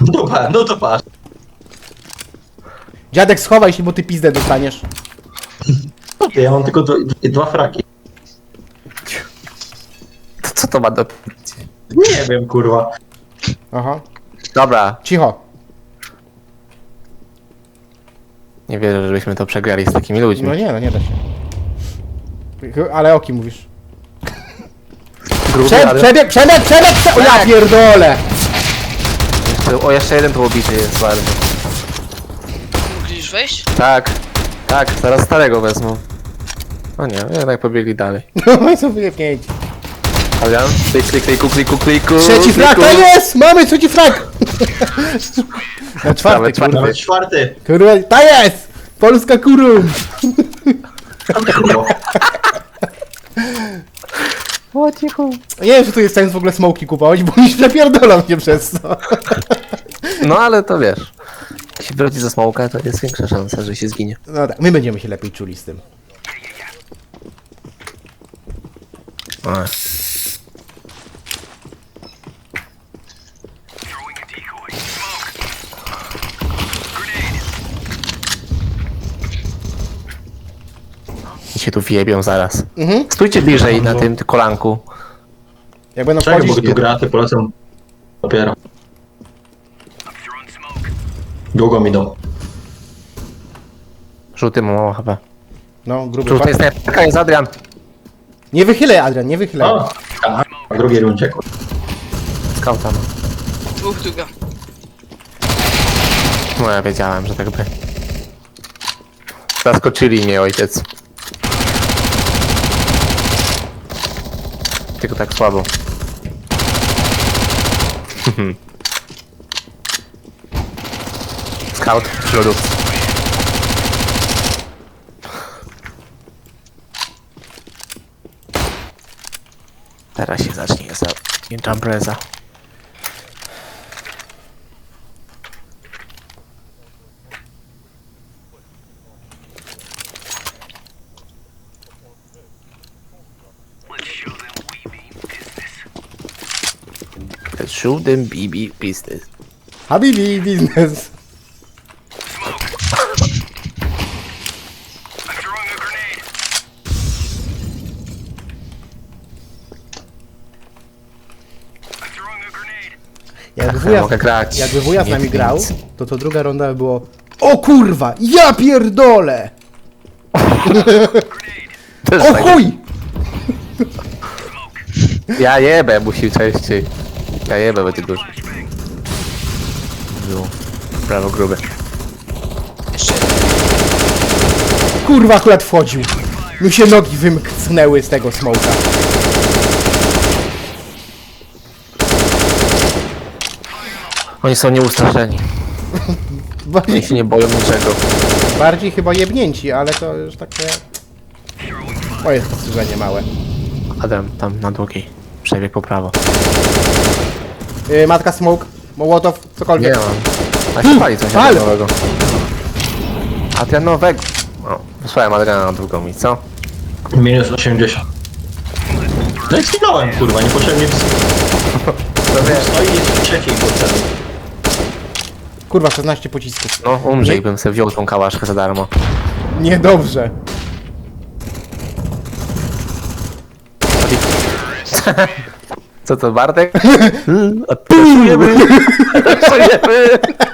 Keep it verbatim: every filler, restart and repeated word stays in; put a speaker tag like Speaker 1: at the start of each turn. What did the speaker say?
Speaker 1: No, pa, no to patrz.
Speaker 2: Dziadek, schowaj się, bo ty pizdę dostaniesz.
Speaker 1: Ja mam tylko dwa, dwa fraki.
Speaker 3: To co to ma do...
Speaker 1: Nie wiem, kurwa.
Speaker 2: Aha.
Speaker 3: Dobra,
Speaker 2: Cicho.
Speaker 3: nie wierzę, żebyśmy to przegrali z takimi ludźmi.
Speaker 2: No nie, no nie da się. Ale o kim mówisz?
Speaker 3: Gruby,
Speaker 2: Prze
Speaker 3: ale...
Speaker 2: przebieg, przebieg, przebieg, przebieg! O ja
Speaker 3: Tak.
Speaker 2: pierdolę!
Speaker 3: O, jeszcze jeden tu obity jest bardzo.
Speaker 4: Mogliś wejść?
Speaker 3: Tak, tak, zaraz starego wezmą. O nie, jednak pobiegli dalej.
Speaker 2: No i są wyjebnięci.
Speaker 3: Adrian, klik, klik, kliku, kliku, kliku.
Speaker 2: Trzeci frak,
Speaker 3: kliku.
Speaker 2: to jest! Mamy trzeci frak! Na czwarty,
Speaker 3: Nawet
Speaker 2: kurwa.
Speaker 1: Nawet czwarty.
Speaker 2: Kurwa, ta jest! Polska kurum!
Speaker 1: Kurwa.
Speaker 2: Nie wiem, czy tu jest sens w ogóle smoki kupować, bo mi przepierdolą się przez to.
Speaker 3: No ale to wiesz. Jeśli wróci ze smoka, to jest większa szansa, że się zginie.
Speaker 2: No tak, my będziemy się lepiej czuli z tym.
Speaker 3: Ech. I się tu wjebią zaraz.
Speaker 2: Mhm.
Speaker 3: Stójcie bliżej na tym kolanku.
Speaker 2: Jak będą
Speaker 1: Czekaj, bo
Speaker 2: wchodzić...
Speaker 1: tu graty polecam. Dopiero. Długo mi idą.
Speaker 3: Żółty ma mało chyba.
Speaker 2: No, gruby
Speaker 3: Żółty jest
Speaker 2: frak.
Speaker 3: najpierw, jest Adrian.
Speaker 2: Nie wychylaj, Adrian, nie wychylaj.
Speaker 1: O, tak. W drugiej rundzie, kurwa.
Speaker 3: Skauta ma.
Speaker 4: Dwóch długa.
Speaker 3: No ja wiedziałem, że tak by. Zaskoczyli mnie ojciec. Tylko tak słabo. Scout w lodówce. Teraz się zacznie za Jumpreza. Let's show them B B business.
Speaker 2: Habibi, biznes. Jakby
Speaker 3: Ach,
Speaker 2: wuja,
Speaker 3: mogę grać.
Speaker 2: jakby wuja z
Speaker 3: Nie
Speaker 2: nami
Speaker 3: nic.
Speaker 2: grał, to to druga runda by było o kurwa, ja pierdolę!
Speaker 3: Też
Speaker 2: O
Speaker 3: tak.
Speaker 2: chuj!
Speaker 3: Ja jebę, musi częściej. Ja jebę, będzie dużo. Było. Prawo grube.
Speaker 4: Jeszcze
Speaker 2: Kurwa akurat wchodził. Mi się nogi wymknęły z tego smoka.
Speaker 3: Oni są nieustraszeni. Oni
Speaker 2: Bardziej,
Speaker 3: się nie boją niczego.
Speaker 2: bardziej chyba jebnięci, ale to już takie... Moje spostrzeżenie małe.
Speaker 3: Adam, tam na długiej. Przebieg po prawo.
Speaker 2: Yy, matka smoke, mołotow,
Speaker 3: Nie
Speaker 2: cokolwiek.
Speaker 3: mam. A się pali coś
Speaker 2: pal.
Speaker 3: nowego. Adrianowego. O, wysłałem Adriana na drugą i co?
Speaker 1: Minus osiemdziesiąt. No i zginąłem, kurwa, niepotrzebnie.
Speaker 3: To wiesz.
Speaker 1: No i jest w trzeciej potrzebny.
Speaker 2: Kurwa, szesnaście pocisków.
Speaker 3: No, umrzyj, bym sobie wziął tą kałaszkę za darmo.
Speaker 2: Niedobrze.
Speaker 3: Co to, Bartek? A Pracujemy! Pracujemy!